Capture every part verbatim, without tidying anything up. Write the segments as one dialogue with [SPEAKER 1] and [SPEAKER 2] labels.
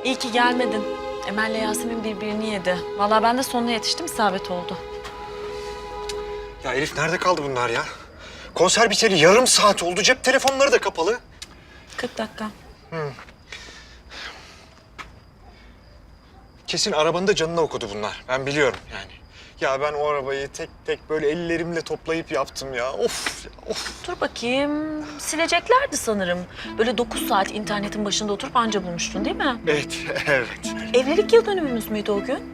[SPEAKER 1] İyi ki gelmedin. Emel'le Yasemin birbirini yedi. Vallahi ben de sonuna yetiştim, isabet oldu.
[SPEAKER 2] Ya Elif nerede kaldı bunlar ya? Konser biteli yarım saat oldu. Cep telefonları da kapalı.
[SPEAKER 1] kırk dakika.
[SPEAKER 2] Hı. Kesin arabanın da canını okudu bunlar. Ben biliyorum yani. Ya ben o arabayı tek tek böyle ellerimle toplayıp yaptım ya. Of, of.
[SPEAKER 1] Dur bakayım. Sileceklerdi sanırım. Böyle dokuz saat internetin başında oturup anca bulmuştun değil mi?
[SPEAKER 2] Evet, evet.
[SPEAKER 1] Evlilik yıl dönümümüz müydü o gün?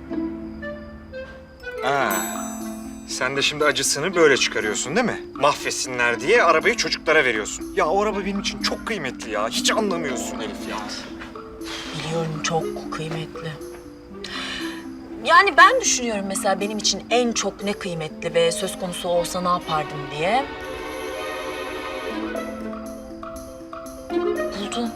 [SPEAKER 2] Ha. Sen de şimdi acısını böyle çıkarıyorsun değil mi? Mahvetsinler diye arabayı çocuklara veriyorsun. Ya o araba benim için çok kıymetli ya. Hiç anlamıyorsun Elif ya.
[SPEAKER 1] Biliyorum, çok kıymetli. Yani ben düşünüyorum mesela benim için en çok ne kıymetli ve söz konusu olsa ne yapardım diye. Buldum.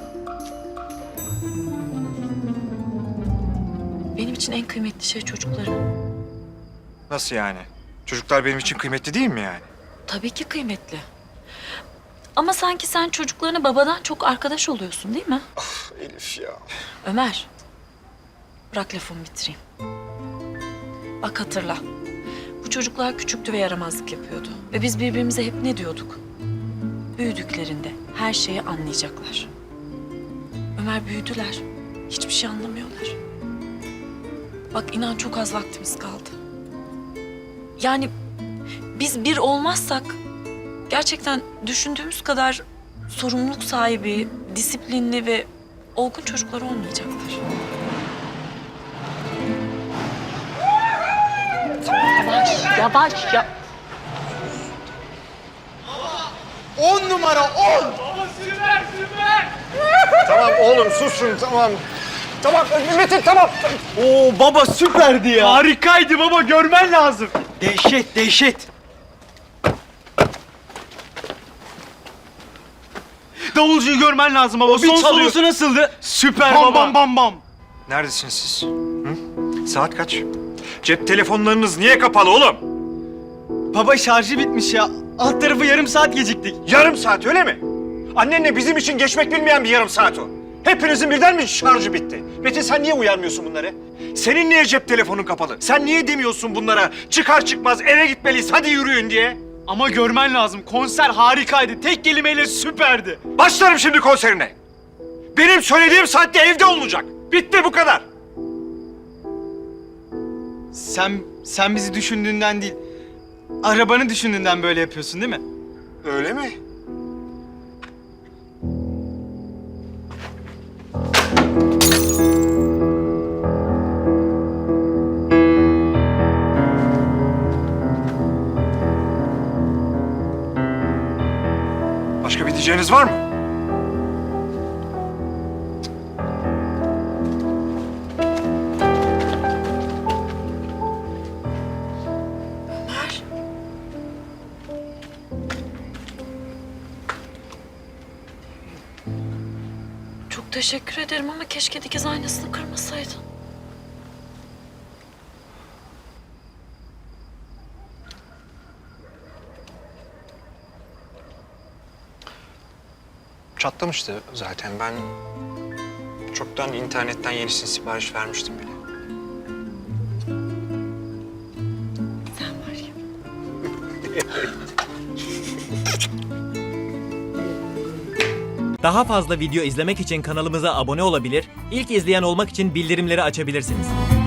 [SPEAKER 1] Benim için en kıymetli şey çocuklarım.
[SPEAKER 2] Nasıl yani? Çocuklar benim için kıymetli değil mi yani?
[SPEAKER 1] Tabii ki kıymetli. Ama sanki sen çocuklarına babadan çok arkadaş oluyorsun değil mi?
[SPEAKER 2] Of Elif ya.
[SPEAKER 1] Ömer, bırak lafımı bitireyim. Bak hatırla. Bu çocuklar küçüktü ve yaramazlık yapıyordu. Ve biz birbirimize hep ne diyorduk? Büyüdüklerinde her şeyi anlayacaklar. Ömer, büyüdüler. Hiçbir şey anlamıyorlar. Bak inan çok az vaktimiz kaldı. Yani biz bir olmazsak gerçekten düşündüğümüz kadar sorumluluk sahibi, disiplinli ve olgun çocuklar olmayacaklar. Yavaş, yavaş ya.
[SPEAKER 3] On numara on!
[SPEAKER 2] Tamam oğlum susun tamam. Tamam Metin tamam.
[SPEAKER 3] Oo baba süperdi ya. Harikaydı baba, görmen lazım. Dehşet dehşet. Davulcuyu görmen lazım baba. Son solosu nasıldı? Süper bam, baba. Bam bam bam.
[SPEAKER 2] Neredesiniz siz? Hı? Saat kaç? Cep telefonlarınız niye kapalı oğlum?
[SPEAKER 3] Baba şarjı bitmiş ya. Alt tarafı yarım saat geciktik.
[SPEAKER 2] Yarım saat öyle mi? Annenle bizim için geçmek bilmeyen bir yarım saat o. Hepinizin birden mi şarjı bitti? Metin sen niye uyarmıyorsun bunları? Senin niye cep telefonun kapalı? Sen niye demiyorsun bunlara çıkar çıkmaz eve gitmeliyiz hadi yürüyün diye?
[SPEAKER 3] Ama görmen lazım. Konser harikaydı. Tek kelimeyle süperdi.
[SPEAKER 2] Başlarım şimdi konserine. Benim söylediğim saatte evde olacak. Bitti bu kadar.
[SPEAKER 3] Sen sen bizi düşündüğünden değil, arabanı düşündüğünden böyle yapıyorsun değil mi?
[SPEAKER 2] Öyle mi? Başka bir diyeceğiniz var mı?
[SPEAKER 1] Ömer. Çok teşekkür ederim ama keşke dikiz aynasını kırmasaydın.
[SPEAKER 2] Çatlamıştı zaten. Ben çoktan internetten yenisini sipariş vermiştim bile.
[SPEAKER 1] Sen var ya.
[SPEAKER 4] Daha fazla video izlemek için kanalımıza abone olabilir, ilk izleyen olmak için bildirimleri açabilirsiniz.